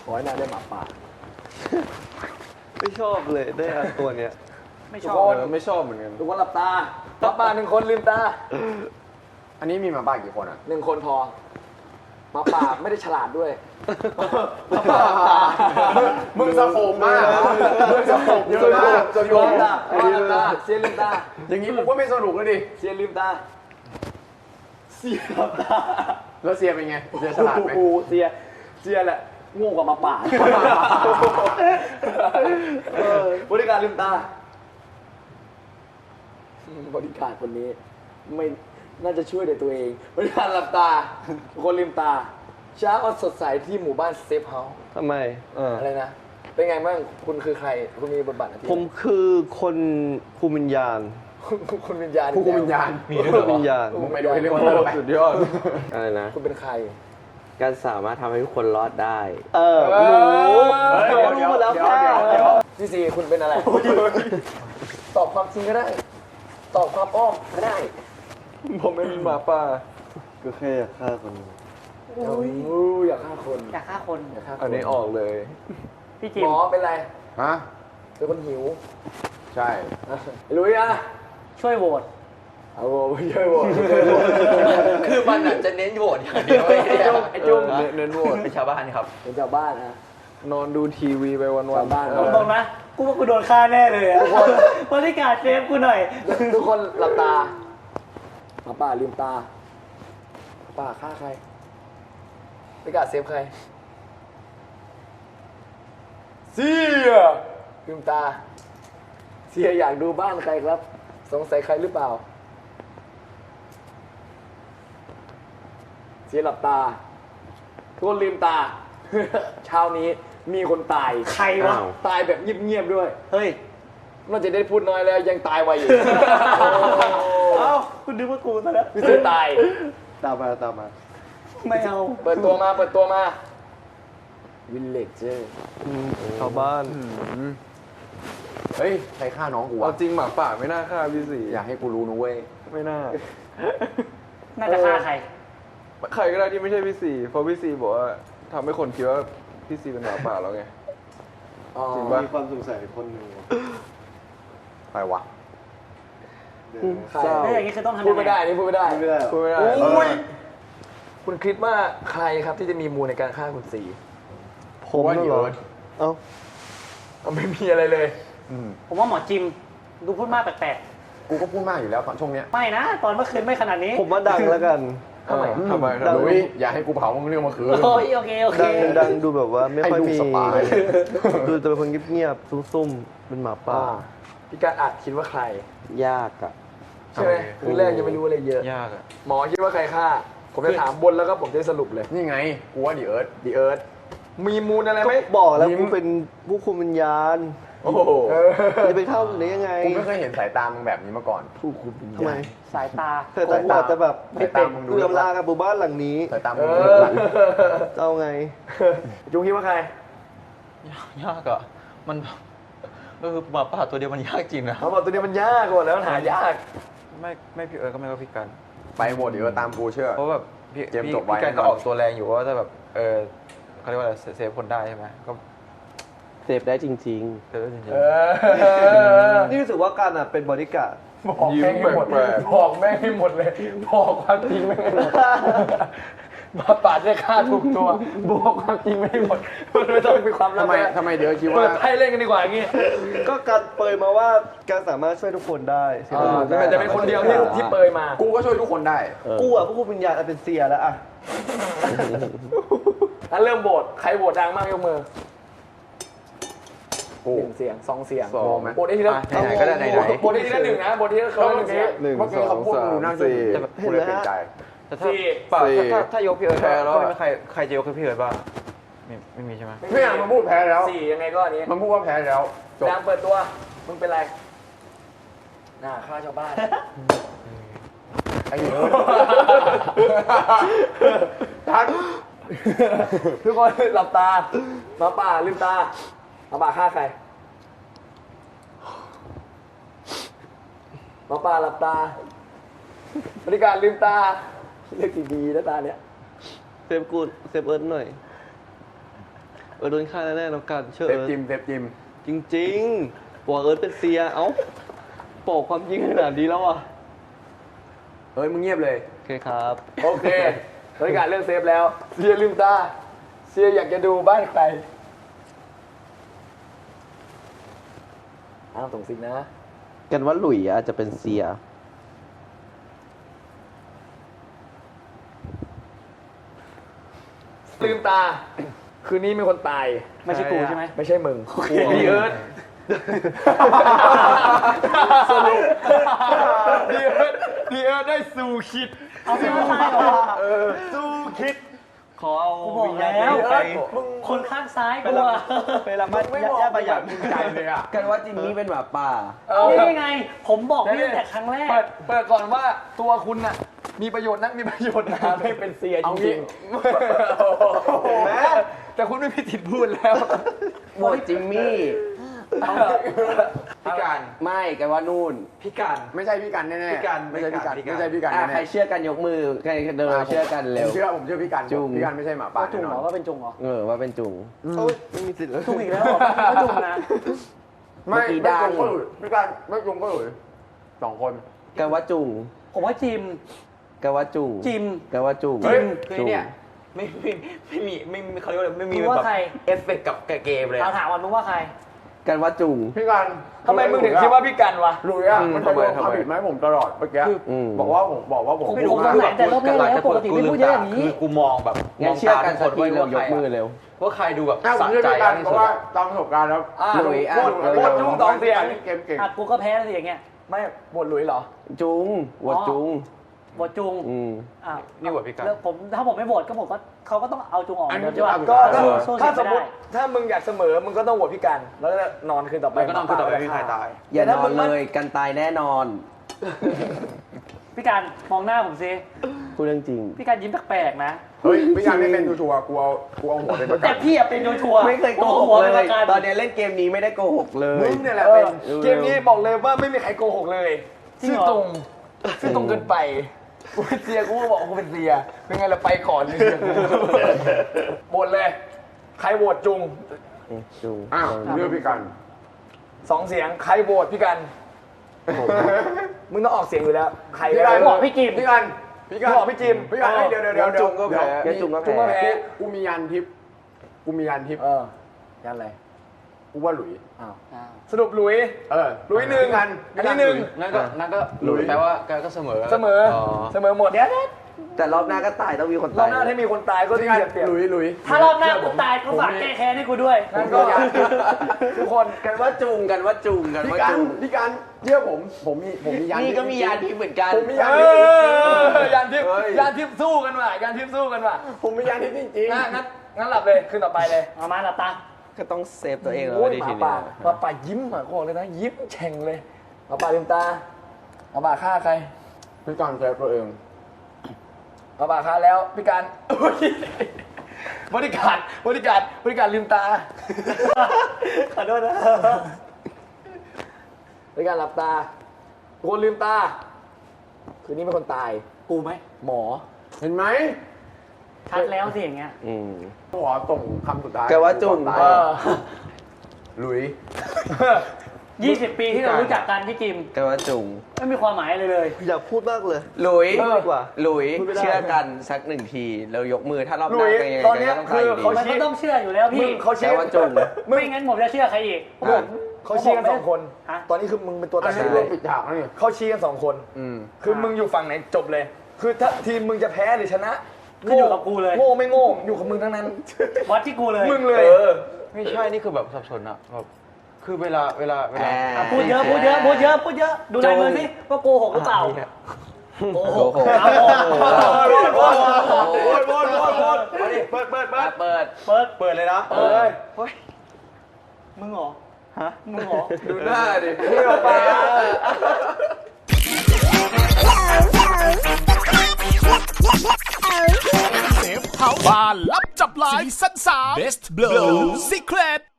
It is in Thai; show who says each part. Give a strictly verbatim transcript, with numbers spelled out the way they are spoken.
Speaker 1: ขอให้นายได้หมาป่า
Speaker 2: ไม่ชอบเลยได้อันตัวเนี้ย
Speaker 3: ไม่ชอบ
Speaker 2: ไม่ชอบเหมือนกัน
Speaker 1: ทุกคนหลับตาหมาป่าหนึ่งคนลืมตา
Speaker 4: อันนี้มีหมาป่ากี่คนอ่ะ
Speaker 1: หนึ่งคนพอหมาป่าไม่ได้ฉลาดด้วย
Speaker 4: หมาป่ามึงสะโขบมากมึงสะโขบเยอะมากจนโยน
Speaker 1: ตาลืมตาเสียลืมตา
Speaker 4: อย่างนี้ผมก็ไม่สนุกเลยดิ
Speaker 1: เสียลืมตาเสียลืมตา
Speaker 4: แล้วเสียเป็นไงเสียฉลาดไหม
Speaker 1: เสียเสียแหละง่วงกว่าหมาป่าบริการลืมตาบริการคนนี้ไม่น่าจะช่วยในตัวเองบริการหลับตาคนลืมตาเช้าวันสดใสที่หมู่บ้านเซฟเฮาส์
Speaker 2: ทำไม
Speaker 1: อะไรนะเป็นไงบ้างคุณคือใครคุณมีบทบาทอะไร
Speaker 2: ผมคือคนคุมวิญญาณ
Speaker 1: คุณวิญญาณ
Speaker 4: ผู้คุมวิญญาณ
Speaker 2: มีด้วยเหรอวิญญาณ
Speaker 4: มึงไปดูให้เรื่องมันไป
Speaker 2: สุดยอดอะไรนะ
Speaker 1: คุณเป็นใคร
Speaker 2: การสามารถทำให้ทุกคนรอดได้
Speaker 1: เออรู้รู้หมดแล้วค่ะพี่ซีคุณเป็นอะไรตอบความจริงก็ได้ตอบความอ้อมก็ได้
Speaker 2: ผมไม่มีหมาป่าก็แค่อยากฆ่าคน
Speaker 1: อยากฆ่าคน
Speaker 3: อยากฆ่าคน
Speaker 1: อยากฆ่าคน
Speaker 2: อันนี้ออกเลย
Speaker 3: พี่จิม
Speaker 1: หมอเป็นไร
Speaker 4: ฮะ
Speaker 1: เป็นคนหิว
Speaker 4: ใช่
Speaker 1: ลุยอ่ะ
Speaker 3: ช่วยโหวต
Speaker 1: เอาโหวตช่วยโหวต
Speaker 4: คือมันจะเน้นโหวตอย่างเดียว
Speaker 1: ไอ้จุ้ง
Speaker 2: เน้นโหวต
Speaker 4: เป็นชาวบ้านครับ
Speaker 1: เป็นชาวบ้านนะ
Speaker 2: นอนดูทีวีไปวัน
Speaker 1: ๆบ้าน
Speaker 3: ตรงๆนะกูว่ากูโดนฆ่าแน่เลยอ่ะบริการเซฟกูหน่อย
Speaker 1: ทุกคนหลับตาหมาป่าลืมตาป่าฆ่าใครบริการเซฟใครเสียลืมตาเสียอยากดูบ้านใครครับสงสัยใครหรือเปล่าเสียหลับตาทุกคนลืมตาเช้านี้มีคนตาย
Speaker 3: ใครวะ
Speaker 1: ตายแบบเงียบๆด้วย
Speaker 3: เฮ้ย
Speaker 1: นอกจากได้พูดน้อยแล้วยังตายไวอยู่
Speaker 3: เอ้าคุณนึกว่ากูซะแล้ว
Speaker 1: พี่ซื้อตาย
Speaker 2: ตามมาตามมา
Speaker 3: ไม่เอา
Speaker 1: เปิดตัวมาเปิดตัวมาวิลเลจเจอร์
Speaker 2: ชาวบ้าน
Speaker 4: เฮ้ยใครฆ่าน้องกูวะ
Speaker 2: จริงหมาป่าไม่น่าฆ่าพี่สี
Speaker 4: อยากให้กูรู้นะเว้ย
Speaker 2: ไม่น่า
Speaker 3: น่าจะฆ่าใคร
Speaker 2: ใครก็ได้ที่ไม่ใช่พี่สีเพราะพี่สีบอกว่าทำให้คนคิดว่าพี่สีเป็นหมาป่าแล้วไงจริงป่ะมีความสงสัยคนหนึ่ง
Speaker 4: ใครวะ
Speaker 1: ใครแล้วอย่างนี้คือต้องทำพูดไม่ได้นี่พูดไม่ได้
Speaker 2: พูดไม่ได้พูดไม่ได้
Speaker 1: คุณคิดว่าใครครับที่จะมีมูลในการฆ่าคุณสี
Speaker 2: ผมว่าเหรอเอ้า
Speaker 1: ไม่มีอะไรเลย
Speaker 3: ผมว่าหมอจิมดูพูดมากแปลก
Speaker 4: ๆกูก็พูดมากอยู่แล้วตอนช่วงเนี้ย
Speaker 3: ไม่นะตอนเมื่อคืนไม่ขนาดนี้
Speaker 2: ผมว่าดังแล้วกัน
Speaker 1: ทำไม
Speaker 4: ทำไมดังอย่าให้กูเผามึงเรื่องมาคืน
Speaker 3: โอ้ยโอเคโอเค
Speaker 2: ดังดังดูแบบว่าไม่ค่อยมีดูจะเป็นคนเงียบๆซุ่มๆเป็นหมาป่า
Speaker 1: พี่การอาจคิดว่าใคร
Speaker 2: ยากอ่ะ
Speaker 1: ใช่ไหมคือแรกยังไม่รู้อะไรเยอะ
Speaker 2: ยากอ่ะ
Speaker 1: หมอคิดว่าใครฆ่าผมจะถามบนแล้วก็ผมจะสรุปเลย
Speaker 4: นี่ไงกูว่าดีเอิร์ธ
Speaker 1: ดีเอิร์ธมีมูลอะไรไหม
Speaker 2: บอกแล้วกูเป็นผู้คุมวิญญาณ
Speaker 1: โอ้โห
Speaker 2: จะไปเข้าหรือยังไง
Speaker 4: กูไม่เคยเห็นสายตามึงแบบนี้มาก่อน
Speaker 1: ผู้คุมวิญญาณทำไม
Speaker 3: สายตา
Speaker 2: เธอสายตาจะแบบไม่เป็นเลื่อมลากับหมู่บ้านหลังนี้
Speaker 4: สายตามึง
Speaker 2: เจ้าไง
Speaker 1: จุงคิดว่าใคร
Speaker 5: ยากอ่ะมันก็คือหมาป่าตัวเดียวมันยากจริงนะ
Speaker 1: หมาป่าตัวเดียวมันยากกว่าแล้วหายาก
Speaker 5: ไม่ไม่พี่เอิร์ธก็ไม่ก็พี่กัน
Speaker 4: ไปหมดเดี๋ยวตามกูเชื่อ
Speaker 5: เพราะแบบพี่พี่กันก็ออกตัวแรงอยู่ว่าถ้าแบบเออเขาเรียกว่าอะไรเซฟคนได้ใช่ไหมก็
Speaker 2: เซฟได้จริงๆ
Speaker 5: เซฟได้จริง
Speaker 2: ๆนี่รู้สึกว่าการอ่ะเป็นบริการ
Speaker 1: บอกแม่งให้หมดบอกแม่งให้หมดเลยบอกความจริงแม่งให้หมดมาปาดได้ฆ่าถูกตัวบอกความจริงไม่หมดมันไม่ต้องมีความลับ
Speaker 4: ทำไมทำไมเดี๋ยวคิดว่า
Speaker 1: เปิดไพ่เล่นกันดีกว่าอย่างงี้
Speaker 2: ก็การเปยมาว่าการสามารถช่วยทุกคนได้
Speaker 1: แต่จะเป็นคนเดียวที่ที่เปยมา
Speaker 4: กูก็ช่วยทุกคนได้
Speaker 2: กูอ่ะพวกกูวิญญาณเป็นเสียแล้วอ่ะ
Speaker 1: งั้นเริ่มโหวตใครโหวตดังมากยกมือหนึ่งเสียงสองเสียง
Speaker 4: สองไหม
Speaker 1: โบทได้ทีละ
Speaker 4: ไหนก็ได้ไหนไหน
Speaker 1: โบทได้ทีละหนึ่งนะโบทที่เขาหนึ่งเสียง
Speaker 4: หนึ่งสองสามสี่กูเลยเปลี่ยนใจ
Speaker 5: แต่ถ้าป่าถ้าถ้ายกพี่เอิร์ธก็ไม่มีใครใครจะยกให้พี่เอิร์ธบ้างไม่ไม่มีใช่ไหม
Speaker 4: ไม่อยากมาพูดแพ้แล้ว
Speaker 1: สี่ยังไงก็อันนี้
Speaker 4: มันพูดว่าแพ้แล้ว
Speaker 1: ดังเปิดตัวมึงเป็นไรหน้าฆ่าชาวบ้าน
Speaker 4: ไอ้เอิร์ธทัน
Speaker 1: ทุกคนหลับตาหมาป่าลืมตาหมาป่าฆ่าใครหมาป่าหลับตาบริการลืมตาเลือกดีๆนะตาเนี้ย
Speaker 2: เซฟกูเซฟเอิร์ธหน่อย
Speaker 6: เออโดนฆ่าแน่ๆน้องกันเชื่อ
Speaker 4: เซฟ
Speaker 6: เอิร์ธ
Speaker 4: จิมเซฟจิม
Speaker 6: จริงๆบอกเอิร์ธเป็นเซียเอ้าบอกความจริงขนาดนี้แล้วอ่ะ
Speaker 4: เฮ้ยมึงเงียบเลย
Speaker 6: โอเคครับ
Speaker 1: โอเคบริการเรื่องเซฟแล้วเซียลืมตาเซียอยากจะดูบ้านใครอ้าวส่งสิกนะ
Speaker 6: กันว่าหลุยอาจจะเป็นเซีย
Speaker 1: ลืมตา คืนนี้มีคนตาย
Speaker 3: ไม่ใช่กูใช่ไหม
Speaker 1: ไม่ใช่มึงดีเอิร์ธสรุปดีเอิร์ธดีเอิร์ธได้สู่คิด
Speaker 3: เอาไม่ใช่หรอ
Speaker 1: สู่คิด
Speaker 6: ขอเอา
Speaker 3: กูบอก
Speaker 6: วิญญาณ
Speaker 3: แล้ว
Speaker 6: ไป
Speaker 3: คนข้างซ้ายกูอะ
Speaker 6: ไปละมัด
Speaker 4: ไม่บอก
Speaker 6: ย่าประหยัด
Speaker 4: มึงใจเลยอ่ะ
Speaker 5: กันว่าจิมมี่เป็นหมาป่า
Speaker 3: นี่ไง ผมบอกพี่ตั้งแต่ครั้งแรก
Speaker 1: เปิดเปิดก่อนว่าตัวคุณน่ะมีประโยชน์นักมีประโยชน์หนาไม่เป็นเซียจริงๆแม้แต่คุณไม่มีสิทธิ์พูดแล้ว
Speaker 5: โหวตจิมมี่
Speaker 2: พี่การ
Speaker 5: ไม่กันว่านู่น
Speaker 2: พี่การ
Speaker 4: ไม่ใช่พี่กันแน่ๆ
Speaker 2: พี่กัน
Speaker 4: ไม่ใช่พี่กัน
Speaker 2: พี่กัน
Speaker 4: ไม่ใช่พี่กัน
Speaker 5: อ่ะ
Speaker 4: แน่
Speaker 5: ใครเชื่อกันยกมือ ใครเดินเชื่อกัน
Speaker 4: ๆ
Speaker 5: เร็
Speaker 4: ผ
Speaker 5: ว
Speaker 4: มเชื่อผมเชื่อพี่กัน
Speaker 5: จุง
Speaker 4: พี่กันไม่ใช่หมาป่า
Speaker 3: จุงเหรอ
Speaker 4: แน่นอน
Speaker 3: ว่าเป็นจุงเหรอ
Speaker 5: เออว่าเป็นจุง
Speaker 6: ไม่มีสิทธิ์แล้ว
Speaker 3: จุงอีกแล้วเหรอก็จุงนะ
Speaker 4: ไม่
Speaker 5: เมื่อกี้
Speaker 4: ไม่
Speaker 5: ดัง
Speaker 4: จุงก็หลุยพี่กันไม่จุงก็หลุยสองคน
Speaker 5: กันว่าจุง
Speaker 3: ผมว่าจิม
Speaker 5: กันว่าจุง
Speaker 3: จิม
Speaker 5: กันว่าจุง
Speaker 2: เฮ้ย
Speaker 5: จุง
Speaker 2: คือเนี่ยไม่ไม่ไม่มีไม่มีเขาเรียกว่าไม่มี
Speaker 3: มึงว่า
Speaker 2: แบบ
Speaker 3: ใคร
Speaker 2: เอฟเฟกต์กับเกมเลย
Speaker 3: เรา
Speaker 2: อะ
Speaker 3: ถามว่ามึงว่าใคร
Speaker 5: กันว่าจุง
Speaker 4: พี่กัน
Speaker 1: ทำไมมึงถึงคิดว่าพี่กันวะ
Speaker 4: หลุยอ่ะ
Speaker 5: อืม
Speaker 4: มันจะโยน
Speaker 5: ทำไม
Speaker 4: ความผิดมาให้ผมตลอดเมื่อกี้
Speaker 5: อืม
Speaker 4: บอกว่าผมบอกว่าผม
Speaker 3: ผม
Speaker 4: ไม่
Speaker 3: ผม
Speaker 4: รู้
Speaker 3: สง
Speaker 4: ว่า
Speaker 3: สัยแต่รอบแรกแล้วปกติไม่พูดเยอะอย่างนี้
Speaker 2: คือกูมองแบบ
Speaker 5: งั้นเชื่อกันสักทีเร็วยกมือเร็ว
Speaker 2: ว่าใครดูแบบ
Speaker 4: อ่ะผม
Speaker 2: สะ
Speaker 4: เชื่อ
Speaker 2: ใจ
Speaker 4: พี่กัน
Speaker 2: ที่
Speaker 4: เพ
Speaker 2: สุ
Speaker 4: ราะ
Speaker 2: ด
Speaker 4: ว่าตามประสบการณ์แล้ว
Speaker 1: อ่ะ
Speaker 5: หลุยอ่ะ
Speaker 4: โคตร
Speaker 5: เร็ว
Speaker 4: โคตรจุงสองเสียงเกมเก่ง
Speaker 3: อ่ะกูก็แพ้สิอย่างเงี้ย
Speaker 1: ไม่บทหลุยเหรอ
Speaker 5: จุงโหวตจุง
Speaker 3: บทจุง
Speaker 5: อืม
Speaker 3: อ่ะ
Speaker 2: นี่บทพี่กัน
Speaker 3: แล้วผมถ้าผมไม่โหวตก็ผมก็เขาก็ต้องเอาจุงออก
Speaker 4: อันนี้
Speaker 3: เดี๋ยวใช่ปะ
Speaker 1: ก็
Speaker 3: เอ
Speaker 1: ถ้า
Speaker 3: อสู้
Speaker 1: ถ้า
Speaker 3: เสีย
Speaker 1: สม
Speaker 3: ไม่
Speaker 1: ม
Speaker 3: ได้
Speaker 1: ติถ้ามึงอยากเสมอมึงก็ต้องโหวตพี่กัน แล้วก็นอนคืนต่อไป
Speaker 2: มันก็นอนคืนต่อไปไม่มีใครตาย
Speaker 5: อย่านอนเลยกันตายแน่นอน
Speaker 3: พี่การมองหน้าผมซิ
Speaker 5: พูดเรื่องจริง
Speaker 3: พี่การยิ้มแปลกๆนะ
Speaker 4: เฮ้ยพี่กันไม่เป็นชัวร์ๆกูเอากูเอาหัวเป็นประกั
Speaker 3: แต่
Speaker 4: น
Speaker 3: พี่อะเป็นชัวร์ๆ
Speaker 5: ไม่เคยโกหก
Speaker 3: หัว
Speaker 5: เล
Speaker 3: ป็นป
Speaker 5: ย
Speaker 3: ระกัน
Speaker 5: ตอนนี้เล่นเกมนี้ไม่ได้โกหกเลย
Speaker 4: มึงเนี่ยแหละ
Speaker 1: เอ
Speaker 4: เป็
Speaker 1: อน เกมนี้บอกเลยว่าไม่มีใครโกหกเลย
Speaker 3: จริง
Speaker 1: ซื่อ
Speaker 3: เหรอ
Speaker 1: ตรงซื่อตรงเกินไปกูเป็นเซียกูก็บอกกูเป็นเซียเป็นไงล่ะไปก่อนเลยเซียกูโหวตเลย ใครโหวตจุง
Speaker 5: จุง
Speaker 4: อ้าวเลือกพี่กัน
Speaker 1: สองเสียงใครโหวตพี่กันมึงต้องออกเสียงอยู่แล้ว ใคร
Speaker 4: พี่
Speaker 1: ก็
Speaker 4: กั
Speaker 1: ได้
Speaker 4: น
Speaker 3: บอกพี่จิม
Speaker 4: พี่กันพี่กัน
Speaker 1: บอกพี่จิม
Speaker 4: พี่กันเดี๋ยวเดี๋ยวเดี๋ยว
Speaker 5: จุงก็แพ้
Speaker 4: เดี๋ยว
Speaker 5: จุงก็
Speaker 1: จุงก็
Speaker 5: แพ้
Speaker 1: แพ้
Speaker 4: กูมียันทิพย์กูมียันทิพย์
Speaker 1: เออยันอะไร
Speaker 4: กูว่าหลุย
Speaker 1: อ้าว
Speaker 3: อ้าว
Speaker 1: สรุปหลุย
Speaker 4: เออ
Speaker 1: หลุยหนึ่ง
Speaker 4: พี่กัน
Speaker 1: อันนี้หนึ่ง
Speaker 2: นั่นก็นั่นก็
Speaker 4: หลุย
Speaker 2: แปลว่าการก็เสมอ
Speaker 1: เสมอเสมอหมด
Speaker 3: เดี๋ยวนะ
Speaker 5: แต่รอบหน้าก็ตายต้องมีคน
Speaker 1: รอ
Speaker 5: ตา
Speaker 1: บ
Speaker 5: ย
Speaker 1: หน้าถ้ามีคนตายก็
Speaker 4: พี่
Speaker 1: ที่
Speaker 4: กัน
Speaker 1: เปรียบ
Speaker 4: หลุยหลุย
Speaker 3: ถ้ารอบหน้ากูตายก็ฝากแก้แค้นให้กูด้วย
Speaker 1: งั้นก็ทุกคน
Speaker 5: กันว่าจุงกันว่าจุงกัน
Speaker 4: พี่
Speaker 5: ว่า
Speaker 4: กัน
Speaker 5: จุง
Speaker 4: พี่กันเชื่อผมผมมีผมมียัน
Speaker 5: นี่
Speaker 4: ทิพย์
Speaker 5: ก็มียานทิพย์เหมือนกัน
Speaker 4: ผมมียัน
Speaker 1: เอ
Speaker 4: ทิพย์จริง
Speaker 1: อยันทิพย์
Speaker 4: เฮ้ย
Speaker 1: ยันทิพย์สู้กันว่ะยันทิพย์สู้กันว่ะ
Speaker 4: ๆผมมียันทิพย์จริง
Speaker 1: งั้นงั้นงั้นหลับเลยคืนต่อไปเลย
Speaker 3: เอามาหลับตา
Speaker 5: ก็ต้องเซฟตัวเองแล้ว
Speaker 1: โอ้ย
Speaker 5: ดิ
Speaker 1: หมา
Speaker 5: ที
Speaker 1: ป่า
Speaker 5: นี้
Speaker 1: หมาป่ายิ้มอ่ะกูบอกเลยนะยิ้มแฉ่งเลยหมาป่าลืมตาหมาป่าฆ่าใคร
Speaker 4: ๆพี่กันเซฟตัวเอง
Speaker 1: หมาป่าฆ่าแล้วพี่การอุ๊ยบริการบริการบริการลืมตา
Speaker 3: ขอโทษนะ
Speaker 1: บริการหลับตาทุกคนลืมตาคืนนี้เป็นคนตาย
Speaker 3: กูไหม
Speaker 1: หมอ
Speaker 4: เห็นไหม
Speaker 3: ชัดแล้วสิอย่างเงี้ย
Speaker 5: อืม
Speaker 4: ขอส่งคำสุดท้าย
Speaker 5: แกว่าจุง
Speaker 4: ก่อน
Speaker 1: เอ
Speaker 4: ตาย
Speaker 1: อ
Speaker 4: หลุย
Speaker 3: ยี่สิบปีที่เรารู้จักกันพี่จิม
Speaker 5: กันว่าจุง
Speaker 3: ไม่มีความหมายอะไรเลย
Speaker 6: อยากพูดมากเลย
Speaker 5: หลุย
Speaker 6: พูดดีกว่า
Speaker 5: หลุย
Speaker 6: พูดไม่ได้
Speaker 5: เชื่อกันสักหนึ่งทีแล้วยกมือถ้ารอบห
Speaker 1: หลุ
Speaker 5: น้าย เป็นยังไง
Speaker 1: ตอนเนี้ย
Speaker 5: ก็ต้องตายอยู่ดี
Speaker 1: คือเขา
Speaker 3: มันก็ต้องเชื่ออยู่แล้ว
Speaker 1: มึ
Speaker 3: พี่
Speaker 1: งเขาชี้
Speaker 5: แต่ว่าจุง
Speaker 3: ไม่งั้นผมจะเชื่อใครอีก
Speaker 1: มึงเขาชี้กันสองคน
Speaker 3: ฮะ
Speaker 1: ตอนนี้คือมึงเป็นตัว
Speaker 4: อั
Speaker 1: ตั
Speaker 4: น
Speaker 1: ด
Speaker 4: นี้
Speaker 1: สิน
Speaker 4: เรื่
Speaker 1: เล
Speaker 4: อง
Speaker 1: ย
Speaker 4: ปิดฉากแล้วนี่
Speaker 1: เขาชี้กันสองคน
Speaker 4: อืม
Speaker 1: คือมึงอยู่ฝั่งไหนจบเลย คือถ้าทีมมึงจะแพ้หรือชนะ
Speaker 3: ขึ้นอยู่กับกูเลย
Speaker 1: โง่ไม่โง่อยู่กับมึงทั้งนั้น
Speaker 3: วัดที่กูเลย
Speaker 1: มึงเลย
Speaker 2: ไม่ใช่นี่คือแบบสับสนอะแบบคือเวลาเวลาเวลา
Speaker 3: อ่ะพูดเยอะพูดเยอะพูดเยอะพูดเยอะดูลายมือสิว่าโกหกหรือเปล่าโกหก
Speaker 5: โกหก
Speaker 3: เอาโกหก
Speaker 2: โดนโดนโดนโดนโดนโดนมาดิเปิดเปิดเปิ
Speaker 5: อ่ะ
Speaker 2: ด
Speaker 5: เปิด
Speaker 3: เปิด
Speaker 2: เปิดเลยนะ
Speaker 1: เอ้ย
Speaker 3: มึงเหรอ
Speaker 6: ฮะ
Speaker 3: มึงเหรอ
Speaker 4: ดูหน้าดิ
Speaker 1: เที่ยวไป
Speaker 7: เซฟเฮาส์บ้านลับจับลายซีซั่นสาม Best Blow Secret